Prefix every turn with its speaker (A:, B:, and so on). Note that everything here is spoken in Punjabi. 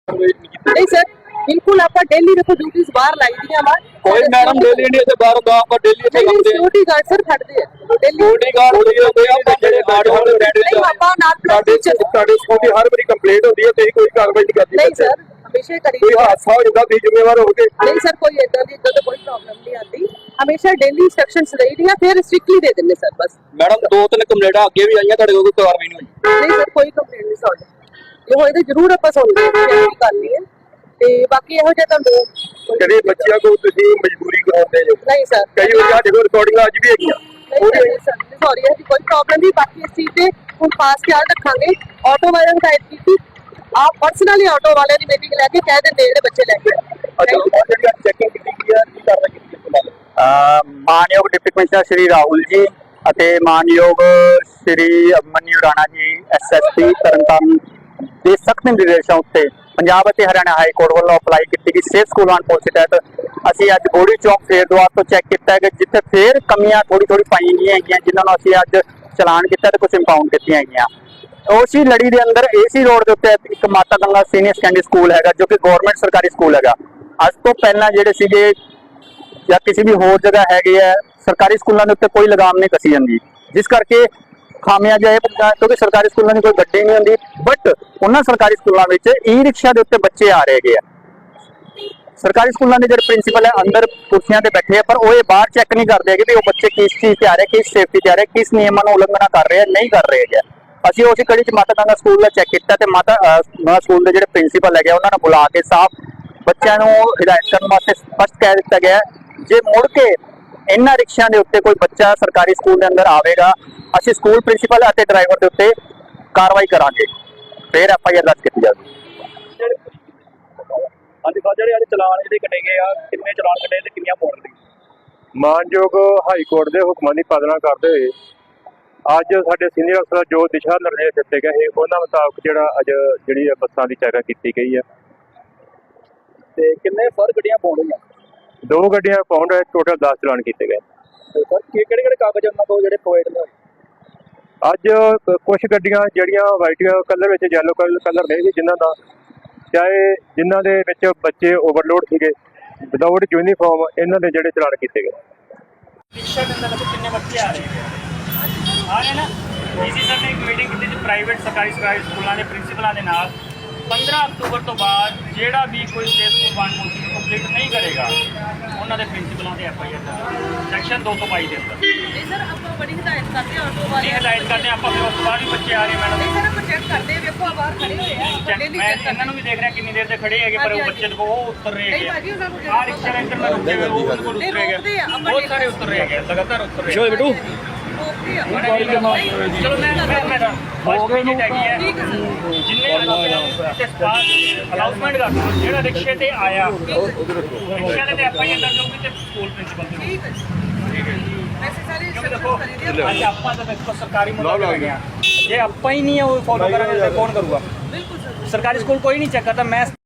A: नहीं सर, बिल्कुल आपका डेली देखो ड्यूटीज बाहर लाई दी हमार
B: कोई मैडम डेली नहीं ਤੇ ਬਾਹਰ ਦਾ ਆਪਾਂ डेली ਇੱਥੇ
A: डेली
B: ਕਰਦੇ
A: सिक्योरिटी गार्ड सर खड़ते हैं डेली
B: ਸਿਕਿਉਰਿਟੀ ਗਾਰਡ ਹੁੰਦੇ ਆ ਆਪਾਂ ਜਿਹੜੇ ਗਾਰਡ ਹੋਣ
A: नहीं पापा नाल
B: ਸਾਡੇ ਸਕੂਲ ਦੀ ਹਰ ਵਾਰੀ ਕੰਪਲੇਂਟ ਹੁੰਦੀ ਹੈ ਤੇ ਕੋਈ ਕਾਰਵਾਈ ਨਹੀਂ ਕਰਦੀ
A: नहीं सर हमेशा करी
B: ਕੋਈ ਹਾਦਸਾ ਹੋ ਜਾਂਦਾ ਤੁਸੀਂ ਜ਼ਿੰਮੇਵਾਰ ਹੋ ਕੇ
A: नहीं सर कोई इतना तो कोई प्रॉब्लम नहीं आती हमेशा डेली इंस्ट्रक्शंस रही दी फिर स्ट्रिक्टली दे देंगे सर बस
B: ਮੈਡਮ ਦੋ ਤਿੰਨ ਕੰਪਲੇਂਟਾਂ ਅੱਗੇ ਵੀ ਆਈਆਂ ਤੁਹਾਡੇ ਕੋਲ ਕੋਈ ਕਾਰਵਾਈ ਨਹੀਂ ਹੋਈ
A: नहीं सर कोई कंप्लेंट नहीं सुन जो होए तो जरूर ਆਪਾਂ ਸੁਣਦੇ ਹਾਂ ਕੀ ਕਰਨੀ ਹੈ ਤੇ ਬਾਕੀ ਇਹੋ ਜਿਹਾ ਤੁਹਾਨੂੰ
B: ਜਿਹੜੇ ਬੱਚਿਆਂ ਕੋਲ ਤੁਸੀਂ ਮਜਬੂਰੀ ਕਰਾਉਂਦੇ ਹੋ
A: ਨਹੀਂ ਸਰ
B: ਕਈ ਵਾਰ ਸਾਡੇ ਕੋਲ ਰਿਕਾਰਡਿੰਗ ਅੱਜ ਵੀ ਹੈਗੀਆਂ
A: सॉरी है कोई प्रॉब्लम नहीं बाकी इस चीज से हम खास ख्याल रखांगे ऑटो वाले ने हिदायत की थी आप पर्सनली ऑटो वाले की मीटिंग लेके कह देंगे ਜਿਹੜੇ ਬੱਚੇ ਲੈ ਕੇ
B: ਅੱਛਾ ਚੈਕਿੰਗ ਕੀਤੀ ਗਈ ਹੈ ਕੀ ਕਾਰਵਾਈ ਕੀਤੀ ਹੈ
C: ਮਾਨਯੋਗ ਡਿਪਟੀ ਕਮਿਸ਼ਨਰ ਸ਼੍ਰੀ ਰਾਹੁਲ ਜੀ ਅਤੇ ਮਾਨਯੋਗ ਸ਼੍ਰੀ ਮਨਿਊ ਰਾਣਾ ਜੀ ਐਸਐਸਪੀ ਤਰਨਤਾਰਨ ਦੇ ਸਖਤ ਨਿਰਦੇਸ਼ਾਂ ਉੱਤੇ ਪੰਜਾਬ ਅਤੇ ਹਰਿਆਣਾ ਹਾਈ ਕੋਰਟ ਵੱਲੋਂ ਅਪਲਾਈ ਕੀਤੀ ਗਈ ਸੇਫ ਸਕੂਲ ਐਂਡ ਪਾਲਿਸੀ ਤਹਿਤ ਅਸੀਂ ਅੱਜ ਬੋੜੀ ਚੌਕ ਫੇਰ ਦੁਆਰ ਤੋਂ ਚੈੱਕ ਕੀਤਾ ਹੈ ਕਿ ਜਿੱਥੇ ਫੇਰ ਕਮੀਆਂ ਥੋੜੀ ਪਾਈਆਂ ਗਈਆਂ ਹੈਗੀਆਂ ਜਿਨ੍ਹਾਂ ਨੂੰ ਅਸੀਂ ਅੱਜ ਚਲਾਨ ਕੀਤਾ ਤੇ ਕੁਝ ਇੰਪਾਊਂਡ ਕੀਤੀਆਂ ਹੈਗੀਆਂ। ਉਸੇ ਲੜੀ ਦੇ ਅੰਦਰ ਏਸੀ ਰੋਡ ਦੇ ਉੱਤੇ ਇੱਕ ਮਾਤਾ ਗੰਗਾ ਸੀਨੀਅਰ ਸੈਕੰਡਰੀ ਸਕੂਲ ਹੈਗਾ ਜੋ ਕਿ ਗਵਰਨਮੈਂਟ ਸਰਕਾਰੀ ਸਕੂਲ ਹੈਗਾ। ਅੱਜ ਤੋਂ ਪਹਿਲਾਂ ਜਿਹੜੇ ਸੀਗੇ ਜਾਂ ਕਿਸੇ ਵੀ ਹੋਰ ਜਗ੍ਹਾ ਹੈਗੇ ਆ ਸਰਕਾਰੀ ਸਕੂਲਾਂ ਦੇ ਉੱਤੇ ਕੋਈ ਲਗਾਮ ਨਹੀਂ ਕਸੀ ਜਾਂਦੀ ਜਿਸ ਕਰਕੇ ਖਾਮਿਆਜਾ ਇਹ ਪੈਂਦਾ ਕਿਉਂਕਿ ਸਰਕਾਰੀ ਸਕੂਲਾਂ ਦੀ ਕੋਈ ਗੱਡੀ ਨਹੀਂ ਹੁੰਦੀ ਬਟ ਉਹਨਾਂ ਸਰਕਾਰੀ ਸਕੂਲਾਂ ਵਿੱਚ ਈ ਰਿਕਸ਼ਾ ਦੇ ਉੱਤੇ ਬੱਚੇ ਆ ਰਹੇ ਆ। ਸਰਕਾਰੀ ਸਕੂਲਾਂ ਦੇ ਜਿਹੜੇ ਪ੍ਰਿੰਸੀਪਲ ਹੈ ਅੰਦਰ ਕੁਰਸੀਆਂ ਤੇ ਬੈਠੇ ਆ ਪਰ ਉਹ ਇਹ ਬਾਹਰ ਚੈੱਕ ਨਹੀਂ ਕਰਦੇ ਕਿ ਵੀ ਉਹ ਬੱਚੇ ਕਿਸ ਚੀਜ਼ ਤੇ ਆ ਰਹੇ ਕਿਸ ਸੇਫਟੀ ਤੇ ਆ ਰਹੇ ਕਿਸ ਨਿਯਮਾਂ ਨੂੰ ਉਲੰਘਣਾ ਕਰ ਰਹੇ ਆ ਨਹੀਂ ਕਰ ਰਹੇ ਹੈਗੇ। ਅਸੀਂ ਉਸੇ ਕੜੀ ਚ ਮਾਤਾ ਗੰਗਾ ਸਕੂਲ ਦਾ ਚੈੱਕ ਕੀਤਾ ਤੇ ਮਾਤਾ ਸਕੂਲ ਦੇ ਜਿਹੜੇ ਪ੍ਰਿੰਸੀਪਲ ਹੈਗੇ ਉਹਨਾਂ ਨੂੰ ਬੁਲਾ ਕੇ ਸਾਫ਼ ਬੱਚਿਆਂ ਨੂੰ ਹਿਦਾਇਤ ਕਰਨ ਵਾਸਤੇ ਸਪਸ਼ਟ ਕਹਿ ਦਿੱਤਾ ਗਿਆ ਜੇ ਮੁੜ ਕੇ ਇਹਨਾਂ ਰਿਕਸ਼ਿਆਂ ਦੇ ਉੱਤੇ ਕੋਈ ਬੱਚਾ ਸਰਕਾਰੀ ਸਕੂਲ ਦੇ ਅੰਦਰ ਆਵੇਗਾ ਅਸੀਂ ਸਕੂਲ ਪ੍ਰਿੰਸੀਪਲ ਅਤੇ ਡਰਾਈਵਰ ਦੇ ਉੱਤੇ ਕਾਰਵਾਈ ਕਰਾਂਗੇ ਫਿਰ ਐਫਆਈਆਰ ਦਰਜ ਕੀਤੀ ਜਾਵੇਗੀ।
B: ਹਾਂਜੀ ਸਰ ਜਿਹੜੇ ਅੱਜ ਚਲਾਨ ਜਿਹੜੇ ਕੱਟੇ ਗਏ ਆ ਕਿੰਨੇ ਚਲਾਨ ਕੱਟੇ ਤੇ ਕਿੰਨੀਆਂ ਪੌਂਡ ਦੀ
D: ਮਾਨਯੋਗ ਹਾਈ ਕੋਰਟ ਦੇ ਹੁਕਮਾਂ ਦੀ ਪਾਲਣਾ ਕਰਦੇ ਹੋਏ ਅੱਜ ਸਾਡੇ ਸੀਨੀਅਰ ਅਫਸਰ ਜੋ ਦਿਸ਼ਾ ਨਿਰਦੇਸ਼ ਦਿੱਤੇ ਗਏ ਉਹਨਾਂ ਮੁਤਾਬਕ ਅੱਜ ਜਿਹੜੀ ਬੱਸਾਂ ਦੀ ਚੈਕਿੰਗ ਕੀਤੀ ਗਈ ਹੈ
B: ਤੇ ਕਿੰਨੇ ਫਰ ਗੱਡੀਆਂ ਪੌਂਡ ਹੋਈਆਂ
D: 2 ਗੱਡੀਆਂ ਪਾਉਂਡ ਟੋਟਲ 10 ਚਲਾਨ ਕੀਤੇ ਗਏ।
B: ਤੇ ਸਰ ਕਿਹੜੇ ਕਾਗਜ਼ ਉਹਨਾਂ ਕੋਲ ਜਿਹੜੇ ਪ੍ਰੋਵਾਈਡ ਨੇ
D: ਅੱਜ ਕੁਝ ਗੱਡੀਆਂ ਜਿਹੜੀਆਂ ਵਾਈਟ ਕਲਰ ਵਿੱਚ ਯੈਲੋ ਕਲਰ ਨਹੀਂ ਸੀ ਜਿਨ੍ਹਾਂ ਦੇ ਵਿੱਚ ਬੱਚੇ ਓਵਰਲੋਡ ਸੀਗੇ ਵਿਦਆਊਟ ਯੂਨੀਫਾਰਮ ਇਹਨਾਂ ਦੇ ਜਿਹੜੇ ਚਲਾਨ ਕੀਤੇ ਗਏ।
E: रिक्शा के अंदर देखो कितने बच्चे आ रहे हैं ना इसी सर ने एक मीटिंग की थी प्राइवेट सरकारी स्कूलों के प्रिंसीपलों के नाल 15 अक्तूबर तो बाद ਜਿਹੜਾ ਵੀ ਕੋਈ ਸਟੇਟ ਸਕੂਲ ਵਨ ਪੋਲਿਸੀ ਨੂੰ ਕੰਪਲੀਟ ਨਹੀਂ ਕਰੇਗਾ ਉਹਨਾਂ ਦੇ ਪ੍ਰਿੰਸੀਪਲਾਂ ਤੇ ਐਫਆਈਆਰ ਸੈਕਸ਼ਨ 222 ਦੇ ਅੰਦਰ
A: नहीं सर ਆਪਾਂ ਬੜੀ ਹਿਦਾਇਤ ਕਰਦੇ ਹਾਂ ਆਟੋ ਵਾਲੇ
E: ਹਦਾਇਤ ਕਰਦੇ ਆਪਾਂ ਫਿਰ ਉਸ ਤੋਂ ਬਾਅਦ ਵੀ ਬੱਚੇ ਆ ਰਹੇ ਮੈਡਮ
A: ਨਹੀਂ ਸਰ ਆਪਾਂ ਚੈੱਕ ਕਰਦੇ ਹਾਂ ਵੇਖੋ ਬਾਹਰ ਖੜੇ ਹੋਏ ਆ ਡੇਲੀ
E: ਮੈਂ
A: ਚੈੱਕ
E: ਇਹਨਾਂ ਨੂੰ ਵੀ ਦੇਖ ਰਿਹਾ ਕਿੰਨੀ ਦੇਰ ਦੇ ਖੜੇ ਹੈਗੇ ਪਰ ਉਹ ਬੱਚੇ ਦੇਖੋ ਉਹ ਉਤਰ ਰਹੇ
A: ਨਹੀਂ
E: ਹੈਗੇ
A: ਭਾਜੀ ਉਹਨਾਂ ਨੂੰ
E: ਆ ਰਿਕਸ਼ਾ ਦੇ ਅੰਦਰ ਰੁਕੇ ਹੋਏ ਉਹ ਬਿਲਕੁਲ
A: ਨਹੀਂ
E: ਉਤਰ
A: ਰੋਕਦੇ
E: ਰਹੇ
A: ਆ ਆਪਾਂ
E: ਬਹੁਤ ਸਾਰੇ ਉਤਰ ਰਹੇ ਹੈਗੇ ਲਗਾਤਾਰ ਉਤਰ ਰਹੇ
B: ਸ਼ੋਏ ਬੇਟੂ
A: ਰੋਕਦੇ ਆ
E: ਚਲੋ ਮੈਂ ਫਸਟ ਵਿਜ਼ਿਟ ਹੈਗੀ ਹੈ
A: ਠੀਕ ਹੈ ਸਰ
E: ਜਿੰਨੇ ਅਨਾਉਂਸਮੈਂਟ ਕਰ ਦਿਓ ਜਿਹੜਾ ਰਿਕਸ਼ੇ ਤੇ ਆਇਆ ਰਿਕਸ਼ੇ ਤੇ ਐਫਆਈਆਰ ਦਰਜ ਹੋਊਗੀ ਤੇ ਸਕੂਲ ਪ੍ਰਿੰਸੀਪਲ ਤੇ
A: ਠੀਕ ਹੈ ਵੈਸੇ ਸਾਰੇ
E: ਕਿਉਂਕਿ
A: ਸਭ
E: ਦੇਖੋ
A: ਕਰੀ ਦੇ
E: ਅੱਜ ਆਪਾਂ ਤਾਂ ਦੇਖੋ ਸਰਕਾਰੀ ਮੁਲਾਜ਼ਮ ਹੈਗੇ ਆ ਜੇ ਆਪਾਂ ਹੀ ਨਹੀਂ ਉਹ ਫੋਲੋ ਕਰਾਂਗੇ ਤਾਂ ਕੌਣ ਕਰੂਗਾ
A: ਬਿਲਕੁਲ ਸਰ
E: ਸਰਕਾਰੀ ਸਕੂਲ ਕੋਈ ਨਹੀਂ ਚੈੱਕ ਕਰਦਾ ਮੈਂ